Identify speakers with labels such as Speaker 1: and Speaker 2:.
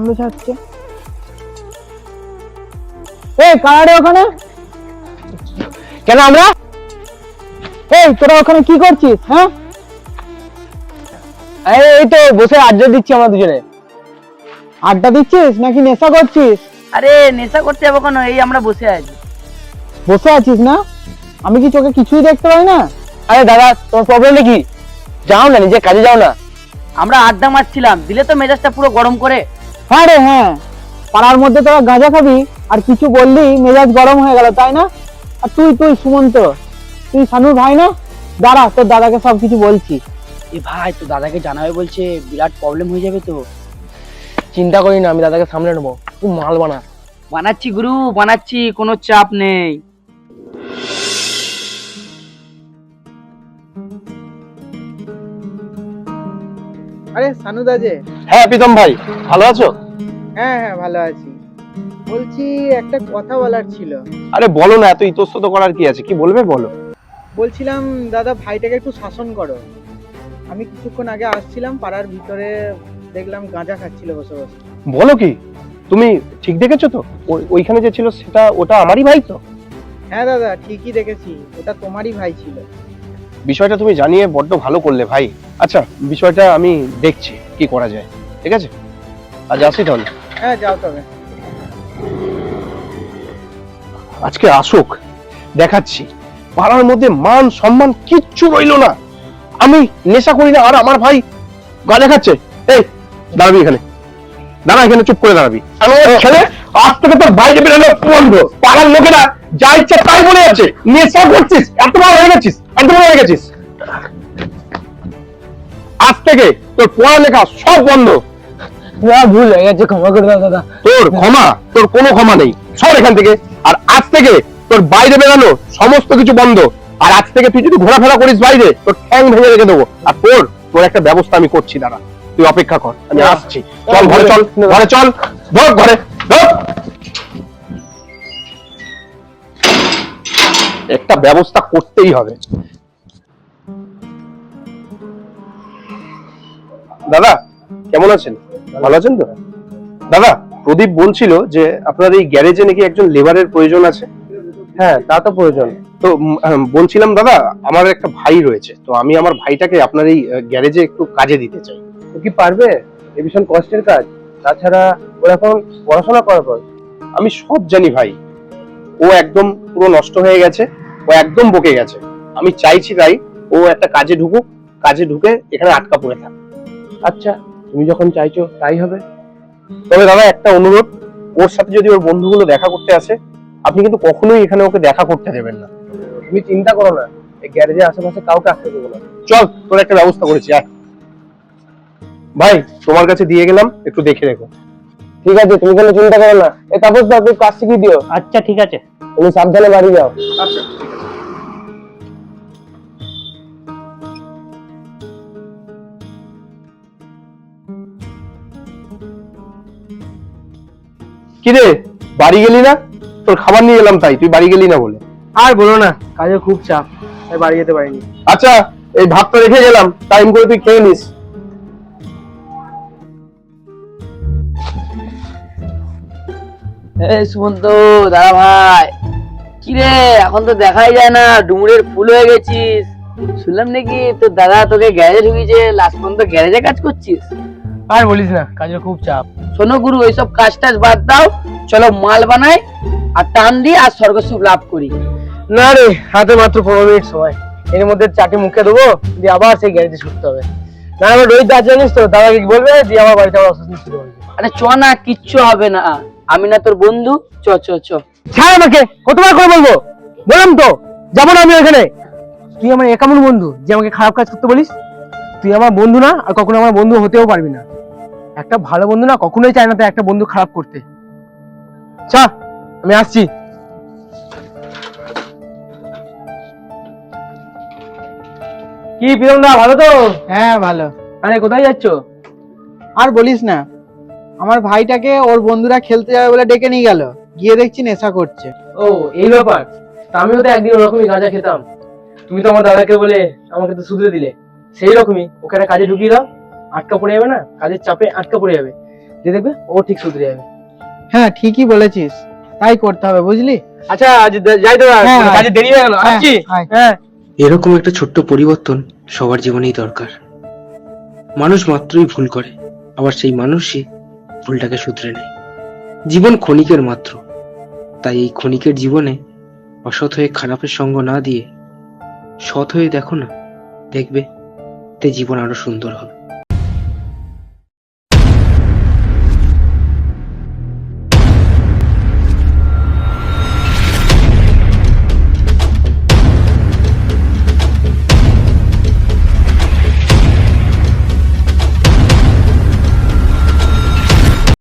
Speaker 1: ছাড়ছে। এই কারা ওখানে? কেন আমরা? এই তোরা ওখানে কি করছিস? হ্যাঁ, এই তো বসে আড্ডা দিচ্ছি আমরা দুজনে। আড্ডা দিচ্ছিস নাকি নেশা করছিস?
Speaker 2: আরে নেশা করতে যাবো কেন, এই আমরা বসে আছি।
Speaker 1: বসে আছিস না? আমি কি চোখে কিছুই দেখতে পাই না? আরে দাদা, তোমার প্রবলেমটা কি? যাও না, নিজে কাজে যাও না।
Speaker 2: আমরা আড্ডা মারছিলাম, দিলে তো মেজাজটা পুরো গরম করে।
Speaker 1: হ্যাঁ রে হ্যাঁ, পাড়ার মধ্যে তোরা গাঁজা খাবি আর কিছু বললি মেজাজ গরম হয়ে গেল, তাই না? আর তুই সুমন্ত, তুই শানুর ভাই না? দাঁড়া, তোর দাদাকে সবকিছু বলছি।
Speaker 2: এ ভাই, তো দাদাকে জানাবে বলছে, বিরাট প্রবলেম হয়ে যাবে তো।
Speaker 1: চিন্তা করি না, আমি দাদাকে সামলে নেবো। তুই মাল বানা।
Speaker 2: বানাচ্ছি গুরু, বানাচ্ছি, কোনো চাপ নেই।
Speaker 1: আরে সানুদা যে।
Speaker 3: হ্যাঁ প্রীতম ভাই, ভালো আছো?
Speaker 1: হ্যাঁ হ্যাঁ, ভালো আছি। বলছি একটা কথা বলার ছিল।
Speaker 3: আরে বলো না, এত ইতস্তত করার কি আছে, কি বলবে বলো।
Speaker 1: বলছিলাম দাদা, ভাইটাকে একটু শাসন করো। আমি কিছুক্ষণ আগে আসছিলাম, পাড়ার ভিতরে দেখলাম গাঁজা খাচ্ছিল বসে বসে।
Speaker 3: বলো কি, তুমি ঠিক দেখেছো তো? ওইখানে যে ছিল সেটা, ওটা আমারই ভাই তো?
Speaker 1: হ্যাঁ দাদা, ঠিকই দেখেছি, ওটা তোমারই ভাই ছিল।
Speaker 3: বিষয়টা তুমি জানিয়ে বড্ড ভালো করলে ভাই। আচ্ছা, বিষয়টা আমি দেখছি কি করা যায়, ঠিক আছে? আজ আসি তাহলে।
Speaker 1: হ্যাঁ যাও তবে।
Speaker 3: আজকে আসুক, দেখাচ্ছি। পাড়ার মধ্যে মান সম্মান কিচ্ছু রইলো না। আমি নেশা করি না আর আমার ভাই গাঁজা খাচ্ছে। এই দাঁড়াবি এখানে, দাঁড়া এখানে, চুপ করে দাঁড়াবি। ছেলে, আজ থেকে তোর বাইরে বেরোনো বন্ধ। পাড়ার লোকেরা যা ইচ্ছে তাই বলে যাচ্ছে, নেশা করছিস, এত বড় হয়ে গেছিস, এত বড় হয়ে গেছিস। আজ থেকে তোর পড়ালেখা সব বন্ধ।
Speaker 1: ভুল হয়ে গেছে, ক্ষমা করে দাও দাদা।
Speaker 3: তোর কোনো ক্ষমা নেই, সর এখান থেকে। আর আজ থেকে তোর বাইরে বেরানো সমস্ত কিছু বন্ধ। আর আজ থেকে তুই যদি ঘোরাফেরা করিস বাইরে, তোর ঠ্যাং ভেঙে রেখে দেবো। আর তোর একটা ব্যবস্থা আমি করছি, দাঁড়া, তুই অপেক্ষা কর, আমি আসছি। চল ঘরে, চল ঘরে, চল ঢোক ঘরে, ঢোক। একটা ব্যবস্থা করতেই হবে। দাদা কেমন আছেন? ভালো আছেন তো? দাদা, প্রদীপ বলছিল যে আপনার এই গ্যারেজে নাকি একজন লেবারের প্রয়োজন আছে। হ্যাঁ, তা তো প্রয়োজন। তো বলছিলাম দাদা, আমার একটা ভাই রয়েছে, তো আমি আমার ভাইটাকে আপনার এই গ্যারেজে একটু কাজে দিতে চাই। ও কি পারবে? এ ভীষণ কষ্টের কাজ, তাছাড়া ওর এখন পড়াশোনা করার পর। আমি সব জানি ভাই, ও একদম পুরো নষ্ট হয়ে গেছে, ও একদম বকে গেছে। আমি চাইছি তাই ও একটা কাজে ঢুকুক, কাজে ঢুকে এখানে আটকা পড়ে থাক। আচ্ছা, তুমি যখন চাইছো তাই হবে। তবে দাদা একটা অনুরোধ, ওর সাথে যদি ওর বন্ধুগুলো দেখা করতে আসে, আপনি কিন্তু কখনোই এখানে ওকে দেখা করতে দেবেন না। তুমি চিন্তা করো না, এই গ্যারেজের আশেপাশে কাউকে আসতে দেবো না। চল, তোর একটা ব্যবস্থা করেছি, আয়। ভাই, তোমার কাছে দিয়ে গেলাম, একটু দেখে রেখো। ঠিক আছে, তুমি কোনো চিন্তা করো না। এই তাপস দা, তুই কাজ শিখিয়ে দিও।
Speaker 2: আচ্ছা ঠিক আছে।
Speaker 3: তুমি সাবধানে বাড়ি যাও। আচ্ছা। কিরে, বাড়ি গেলি না? তোর খাবার নিয়ে এলাম, তাই তুই বাড়ি গেলি না বলে।
Speaker 1: আর বলো না, কাজে খুব চাপ, তাই বাড়ি যেতে পারিনি।
Speaker 3: আচ্ছা, এই ভাতটা রেখে গেলাম, টাইম করে তুই খেয়ে নিস।
Speaker 2: এই সুমন্ত, দাদা ভাই, কিরে এখন তো দেখাই যায় না, ডুমুরের ফুল হয়ে গেছিস। শুনলাম নাকি তোর দাদা তোকে গ্যারেজে ঢুকিয়েছে, লাস্ট পর্যন্ত গ্যারেজে কাজ করছিস।
Speaker 1: আর বলিস না, কাজের খুব চাপ।
Speaker 2: শোনো গুরু, এইসব কাজ টাজ বাদ দাও, চলো মাল বানাই আর টান দিই আর স্বর্গসুখ লাভ করি।
Speaker 1: না রে, হাতে মাত্র 15 মিনিট সময়, এর মধ্যে চাটি মুখে দেবো, দিয়ে আবার সেই গ্যারেজে ছুটতে হবে। না আমার রোহিত দা জানিস তো, দাদাকে কি বলবে, দিয়ে আমার বাড়িতে আবার অসুস্থ শুরু হয়েছে।
Speaker 2: আরে চ না, কিচ্ছু হবে না, আমি না তোর বন্ধু, চ চ চ।
Speaker 1: ছাড় আমাকে, কতবার করে বলবো, বললাম তো যাবো না আমি ওখানে। তুই আমার একামন বন্ধু যে আমাকে খারাপ কাজ করতে বলিস? তুই আমার বন্ধু না, আর কখনো আমার বন্ধু হতেও পারবি না। একটা ভালো বন্ধু না কখনোই চায় না তো একটা বন্ধু খারাপ করতে। চা, আমি আসছি। কি প্রীতম দা, ভালো তো? হ্যাঁ ভালো। আরে কোথায় যাচ্ছ? আর বলিস না, আমার ভাইটাকে ওর বন্ধুরা খেলতে যাবে বলে ডেকে নিয়ে গেল, গিয়ে দেখছি নেশা করছে। ও এই ব্যাপার। তা আমিও তো একদিন ওরকমই গাঁজা খেতাম, তুমি তো আমার দাদাকে বলে আমাকে তো শুধরে দিলে। সেই রকমই ওকে একটা কাজে ঢুকিয়ে দাও, আটকা পড়ে যাবে না, কাজের চাপে আটকা পড়ে যাবে।
Speaker 2: যে দেখবে ও ঠিক শুধরে যাবে।
Speaker 1: হ্যাঁ ঠিকই বলেছিস, তাই করতে হবে বুঝলি।
Speaker 2: আচ্ছা আজ যাই তো,
Speaker 1: হ্যাঁ,
Speaker 2: কাজে দেরি হয়ে গেল, আসছি।
Speaker 1: আয়।
Speaker 2: হ্যাঁ।
Speaker 4: এরকম একটা ছোট্ট পরিবর্তন সবার জীবনেই দরকার। মানুষ মাত্রই ভুল করে, আবার সেই মানুষই ভুলটাকে শুধরে নেয়। জীবন ক্ষণিকের মাত্র, তাই এই ক্ষণিকের জীবনে অসৎ হয়ে খারাপের সঙ্গ না দিয়ে সৎ হয়ে দেখো না, দেখবে তে জীবন আরো সুন্দর হবে।